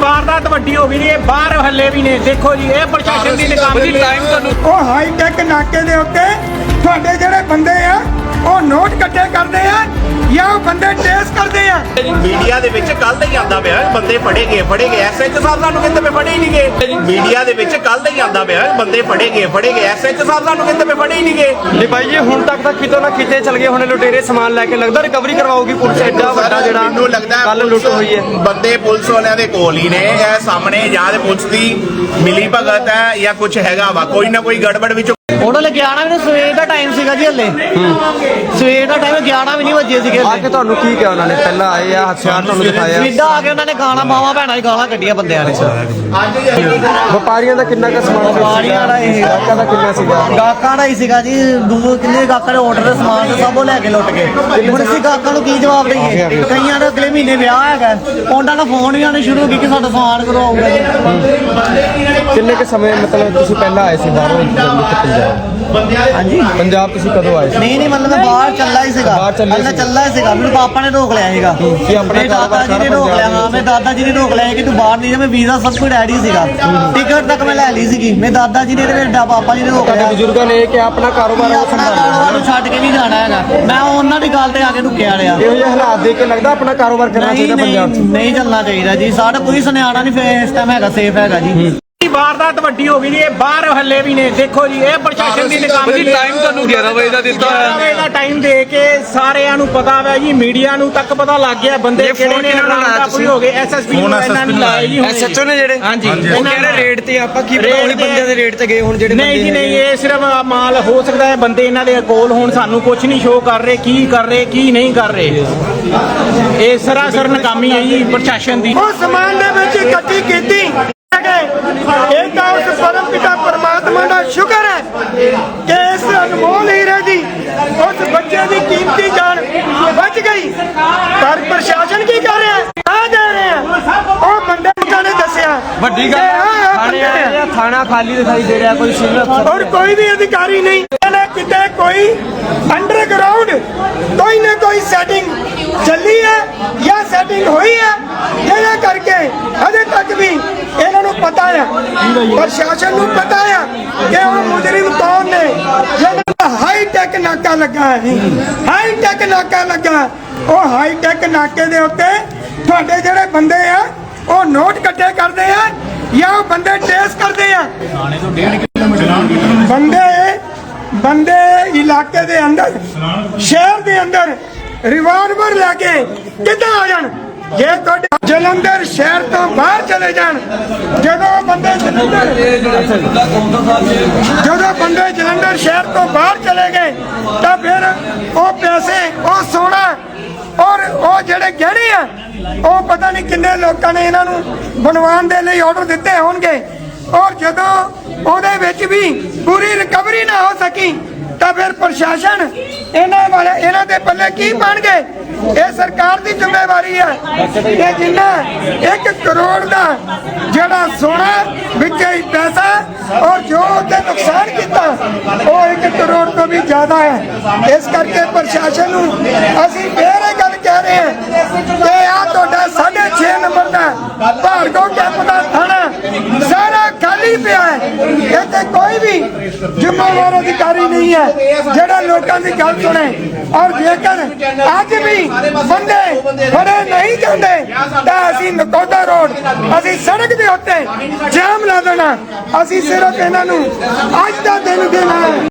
वारदात वड्डी हो गई है बाहर हल्ले भी ने देखो जी ये प्रशासन की नाकामी टाइम ਉਹ ਹਾਈਟੈਕ ਨਾਕੇ ਦੇ ਉੱਤੇ ਤੁਹਾਡੇ ਜਿਹੜੇ ਬੰਦੇ ਆ ਉਹ ਨੋਟ ਇਕੱਠੇ ਕਰਦੇ ਆ ਜਾਂ ਉਹ ਬੰਦੇ ਟੇਸ ਕਰਦੇ ਆ। ਮੀਡੀਆ ਦੇ ਵਿੱਚ ਕੱਲ ਦਾ ਹੀ ਆਂਦਾ ਪਿਆ ਬੰਦੇ ਫੜੇ ਗਏ ਐਸਐਚ ਸਾਹਿਬ ਸਾਨੂੰ ਕਹਿੰਦੇ ਪਏ ਫੜੇ ਹੀ ਨਹੀਂ ਗਏ। ਮੀਡੀਆ ਦੇ ਵਿੱਚ ਕੱਲ ਦਾ ਹੀ ਆਂਦਾ ਪਿਆ ਬੰਦੇ ਫੜੇ ਗਏ ਐਸਐਚ ਸਾਹਿਬ ਸਾਨੂੰ ਕਹਿੰਦੇ ਪਏ ਫੜੇ ਹੀ ਨਹੀਂ ਗਏ। ਨਹੀਂ ਭਾਈ ਜੀ ਹੁਣ ਤੱਕ ਤਾਂ ਕਿਤੋਂ ਨਾ ਕਿਤੇ ਚਲ ਗਏ ਹੁਣ ਲੁਟੇਰੇ ਸਮਾਨ ਲੈ ਕੇ ਲੱਗਦਾ ਰਿਕਵਰੀ ਕਰਵਾਉਗੀ ਪੁਲਿਸ ਐਡਾ ਵੱਡਾ ਜਿਹੜਾ ਮੈਨੂੰ ਲੱਗਦਾ ਕੱਲ ਲੁੱਟ ਹੋਈ ਹੈ ਬੰਦੇ ਪੁਲਿਸ ਵਾਲਿਆਂ ਦੇ ਕੋਲ ਹੀ ਨੇ ਇਹ ਸਾਹਮਣੇ ਜਾਂ ਤੇ ਪੁਲਿਸ ਦੀ ਮਿਲੀ ਭਗਤ ਹੈ ਜਾਂ ਕੁਝ ਹੈਗਾ ਵਾ ਕੋਈ ਨਾ ਕੋਈ ਗੜਬੜ ਵਿੱਚ। ਉਹਨਾਂ ਨੇ 11 ਵੀ ਸਵੇਰ ਦਾ ਟਾਈਮ ਸੀਗਾ ਜੀ ਹੱਲੇ ਸਵੇਰ ਦਾ ਟਾਈਮ 11 ਵੀ ਨਹੀਂ ਵੱਜੇ ਸੀਗੇ ਆ ਕੇ ਤੁਹਾਨੂੰ ਕੀ ਕਿਹਾ ਉਹਨਾਂ ਨੇ ਪਹਿਲਾਂ ਆਏ ਆ ਹਥਿਆਰ ਤੁਹਾਨੂੰ ਦਿਖਾਇਆ ਸਿੱਧਾ ਆ ਕੇ ਉਹਨਾਂ ਨੇ ਗਾਲਾਂ ਮਾਵਾਂ ਭੈਣਾਂ ਦੀ ਗਾਲਾਂ ਕੱਢੀਆਂ ਬੰਦਿਆਂ ਨੇ। ਵਪਾਰੀਆਂ ਦਾ ਕਿੰਨਾ ਕੁ ਸਮਾਨ ਵਪਾਰੀਆਂ ਦਾ ਇਹ ਗਾਹਕਾਂ ਦਾ ਕਿੰਨਾ ਸੀਗਾ ਗਾਹਕਾਂ ਦਾ ਹੀ ਸੀਗਾ ਜੀ ਕਿੰਨੇ ਗਾਹਕਾਂ ਦੇ ਆਰਡਰ ਦੇ ਸਮਾਨ ਤੇ ਸਭ ਉਹ ਲੈ ਕੇ ਲੁੱਟ ਗਏ। ਹੁਣ ਅਸੀਂ ਗਾਹਕਾਂ ਨੂੰ ਕੀ ਜਵਾਬ ਦਈਏ? ਕਈਆਂ ਦਾ ਅਗਲੇ ਮਹੀਨੇ ਵਿਆਹ ਹੈਗਾ ਉਹਨਾਂ ਦਾ ਫੋਨ ਵੀ ਆਉਣੇ ਸ਼ੁਰੂ ਹੋ ਗਏ ਕਿ ਸਾਡਾ ਸਮਾਨ ਕਦੋਂ ਆਊਗਾ ਜੀ। ਕਿੰਨੇ ਕੁ ਸਮੇਂ ਮਤਲਬ ਤੁਸੀਂ ਪਹਿਲਾਂ ਆਏ ਸੀ ਬਾਹਰੋਂ ਪੰਜਾਬ ਹਾਂਜੀ ਪੰਜਾਬ ਤੁਸੀਂ ਕਦੋਂ ਆਏ ਸੀ? ਨਹੀਂ ਮਤਲਬ ਮੈਂ ਬਾਹਰ ਚੱਲਾ ਹੀ ਸੀਗਾ ਚੱਲਾ ਹੀ ਸੀਗਾ ਮੈਨੂੰ ਪਾਪਾ ਨੇ ਰੋਕ ਲਿਆ ਸੀਗਾ ਆਪਣੇ ਦਾਦਾ ਜੀ ਨੇ ਰੋਕ ਲਿਆ। ਹਾਂ ਮੇਰੇ ਦਾਦਾ ਜੀ ਨੇ ਰੋਕ ਲਿਆ ਕਿ ਤੂੰ ਬਾਹਰ ਨਹੀਂ ਜਾ। ਮੈਂ ਵੀਜ਼ਾ ਸਭ ਕੁਝ ਰੈਡੀ ਸੀਗਾ ਟਿਕਟ ਤੱਕ ਮੈਂ ਲੈ ਲਈ ਸੀਗੀ। ਮੇਰੇ ਦਾਦਾ ਜੀ ਨੇ ਤੇ ਮੇਰੇ ਪਾਪਾ ਜੀ ਨੇ ਰੋਕ ਲਿਆ। ਬਜ਼ੁਰਗਾਂ ਨੇ ਕਿ ਆਪਣਾ ਕਾਰੋਬਾਰ ਆਪਣਾ ਕਾਰੋਬਾਰ ਨੂੰ ਛੱਡ ਕੇ ਨਹੀਂ ਜਾਣਾ ਹੈਗਾ। ਮੈਂ ਉਹਨਾਂ ਦੀ ਗੱਲ ਤੇ ਆ ਕੇ ਰੁਕਿਆ ਰਿਹਾ। ਇਹੋ ਜਿਹੇ ਹਾਲਾਤ ਦੇਖ ਕੇ ਲੱਗਦਾ ਆਪਣਾ ਕਾਰੋਬਾਰ ਕਰਨਾ ਚਾਹੀਦਾ ਪੰਜਾਬ 'ਚ ਨਹੀਂ ਚੱਲਣਾ ਚਾਹੀਦਾ ਜੀ। ਸਾਡਾ ਕੋਈ ਸੁਨਿਆਣਾ ਨਹੀਂ ਇਸ ਟਾਈਮ ਹੈਗਾ ਸੇਫ ਹੈਗਾ ਜੀ। वारदात वड्डी हो गई है बाहर हल्ले भी ने देखो जी ये प्रशासन की नाकामी टाइम ਤੁਹਾਨੂੰ 11 ਵਜੇ ਦਾ ਦਿੱਤਾ ਹੋਇਆ ਦਾ ਟਾਈਮ ਦੇ ਕੇ ਸਾਰਿਆਂ ਨੂੰ ਪਤਾ ਹੈ ਜੀ ਮੀਡੀਆ ਨੂੰ ਤੱਕ ਪਤਾ ਲੱਗ ਗਿਆ ਬੰਦੇ ਕਿਹੜੇ ਨੇ ਰਾਮਦਾਪੁਰੀ ਹੋ ਗਏ ਐਸਐਸਪੀ ਨੂੰ ਇਹਨਾਂ ਨੇ ਲਾਇਆ ਜੀ ਐਸਐਚਓ ਨੇ ਜਿਹੜੇ ਹਾਂਜੀ ਉਹ ਕਹਿੰਦੇ ਰੇਡ ਤੇ ਆਪਾਂ ਕੀ ਪਤਾ ਉਹੀ ਬੰਦਿਆਂ ਦੇ ਰੇਡ ਤੇ ਗਏ ਹੁਣ ਜਿਹੜੇ ਨਹੀਂ ਜੀ ਨਹੀਂ ਇਹ ਸਿਰਫ ਮਾਲ ਹੋ ਸਕਦਾ ਹੈ ਬੰਦੇ ਇਹਨਾਂ ਦੇ ਕੋਲ ਹੁਣ ਸਾਨੂੰ ਕੁਝ ਨਹੀਂ ਸ਼ੋਅ ਕਰ ਰਹੇ ਕੀ ਨਹੀਂ ਕਰ ਰਹੇ। ਇਹ ਸਰਾਸਰ ਨਾਕਾਮੀ ਹੈ ਜੀ ਪ੍ਰਸ਼ਾਸਨ ਦੀ। ਉਹ ਸਮਾਨ ਦੇ ਵਿੱਚ ਇਕੱਠੀ ਕੀਤੀ ਇਹ ਤਾਂ ਉਸ ਪਰਮ ਪਿਤਾ ਪਰਮਾਤਮਾ ਦਾ ਸ਼ੁਕਰ ਹੈ ਕਿ ਇਸ ਅਨਮੋਲ ਹੀਰੇ ਦੀ ਉਸ ਬੱਚੇ ਦੀ ਕੀਮਤੀ ਜਾਨ ਬਚ ਗਈ। ਪਰ ਪ੍ਰਸ਼ਾਸਨ ਕੀ ਕਰ ਰਿਹਾ ਆ ਦੇ ਰਿਹਾ ਉਹ ਬੰਦੇ ਨੇ ਦੱਸਿਆ ਵੱਡੀ ਗੱਲ ਥਾਣਾ ਖਾਲੀ ਦਿਖਾਈ ਦੇ ਰਿਹਾ ਕੋਈ ਸਿਵਲ ਅਫਸਰ ਔਰ ਕੋਈ ਵੀ ਅਧਿਕਾਰੀ ਨਹੀਂ। ਇਹਨੇ ਕਿਤੇ ਕੋਈ ਅੰਡਰਗਰਾਉਂਡ ਕੋਈ ਨਾ ਕੋਈ ਸੈਟਿੰਗ ਚੱਲੀ ਹੈ ਜਾਂ ਸੈਟਿੰਗ ਹੋਈ ਹੈ ਜਿਹਦੇ ਕਰਕੇ ਅਜੇ ਤੱਕ ਵੀ ਇਹਨਾਂ ਨੂੰ ਪਤਾ ਹੈ ਪ੍ਰਸ਼ਾਸਨ ਨੂੰ ਪਤਾ ਹੈ ਕਿ ਉਹ ਮੁਜਰਮ ਕੌਣ ਨੇ। ਜਿਹੜਾ ਹਾਈਟੈਕ ਨਾਕਾ ਲੱਗਾ ਹੈ ਹਾਈਟੈਕ ਨਾਕਾ ਲੱਗਾ ਉਹ ਹਾਈਟੈਕ ਨਾਕੇ ਦੇ ਉੱਤੇ ਤੁਹਾਡੇ ਜਿਹੜੇ ਬੰਦੇ ਆ ਉਹ ਨੋਟ ਇਕੱਠੇ ਕਰਦੇ ਆ ਜਾਂ ਉਹ ਬੰਦੇ ਟੇਸ ਕਰਦੇ ਆ। ਬੰਦੇ ਇਲਾਕੇ ਦੇ ਅੰਦਰ ਸ਼ਹਿਰ ਦੇ ਅੰਦਰ ਰਿਵਾਲਵਰ ਲੈ ਕੇ ਕਿੱਦਾਂ ਆ ਜਾਣ? ਜੇ ਤੁਹਾਡੇ ਜਲੰਧਰ ਸ਼ਹਿਰ ਤੋਂ ਬਾਹਰ ਚਲੇ ਜਾਣ ਜਦੋਂ ਬੰਦੇ ਜਲੰਧਰ ਸ਼ਹਿਰ ਤੋਂ ਬਾਹਰ ਚਲੇ ਗਏ ਤਾਂ ਫਿਰ ਉਹ ਪੈਸੇ ਉਹ ਸੋਨਾ ਔਰ ਉਹ ਜਿਹੜੇ ਗਹਿਣੇ ਆ ਉਹ ਪਤਾ ਨਹੀਂ ਕਿੰਨੇ ਲੋਕਾਂ ਨੇ ਇਹਨਾਂ ਨੂੰ ਬਣਵਾਉਣ ਦੇ ਲਈ ਆਰਡਰ ਦਿੱਤੇ ਹੋਣਗੇ। ਔਰ ਜਦੋਂ ਉਹਦੇ ਵਿੱਚ ਵੀ ਪੂਰੀ ਰਿਕਵਰੀ ਨਾ ਹੋ ਸਕੀ ਤਾਂ ਫਿਰ ਪ੍ਰਸ਼ਾਸਨ ਇਹਨਾਂ ਦੇ ਪੱਲੇ ਕੀ ਪਾਣਗੇ? ਇਹ ਸਰਕਾਰ ਦੀ ਜ਼ਿੰਮੇਵਾਰੀ ਹੈ ਕਿ ਜਿੰਨਾ 1 ਕਰੋੜ ਦਾ ਜਿਹੜਾ ਸੋਨਾ ਵਿੱਚ ਪੈਸਾ ਔਰ ਜੋ ਉਹਦੇ ਨੁਕਸਾਨ ਕੀਤਾ ਉਹ 1 ਕਰੋੜ ਤੋਂ ਵੀ ਜ਼ਿਆਦਾ ਹੈ। ਇਸ ਕਰਕੇ ਪ੍ਰਸ਼ਾਸਨ ਨੂੰ ਅਸੀਂ ਫੇਰ ਇਹ ਗੱਲ ਕਹਿ ਰਹੇ ਹਾਂ ਕਿ ਆ ਤੁਹਾਡਾ 6.5 ਨੰਬਰ ਦਾ ਭਾਰਗੋ ਕੈਂਪ ਦਾ ਥਾਣਾ ਸਾਰਾ ਖਾਲੀ ਪਿਆ ਹੈ। ਇੱਥੇ ਕੋਈ ਵੀ ਜ਼ਿੰਮੇਵਾਰ ਅਧਿਕਾਰੀ ਨਹੀਂ ਹੈ ਜਿਹੜਾ ਲੋਕਾਂ ਦੀ ਗੱਲ ਸੁਣੇ। ਔਰ ਜੇਕਰ ਅੱਜ ਵੀ ਬੰਦੇ ਫੜੇ ਨਹੀਂ ਜਾਂਦੇ ਤਾਂ ਅਸੀਂ ਨਕੋਦਰ ਰੋਡ ਅਸੀਂ ਸੜਕ ਦੇ ਉੱਤੇ ਜਾਮ ਲਾ ਦੇਣਾ। ਅਸੀਂ ਸਿਰਫ ਇਹਨਾਂ ਨੂੰ ਅੱਜ ਦਾ ਦਿਨ ਦੇਣਾ।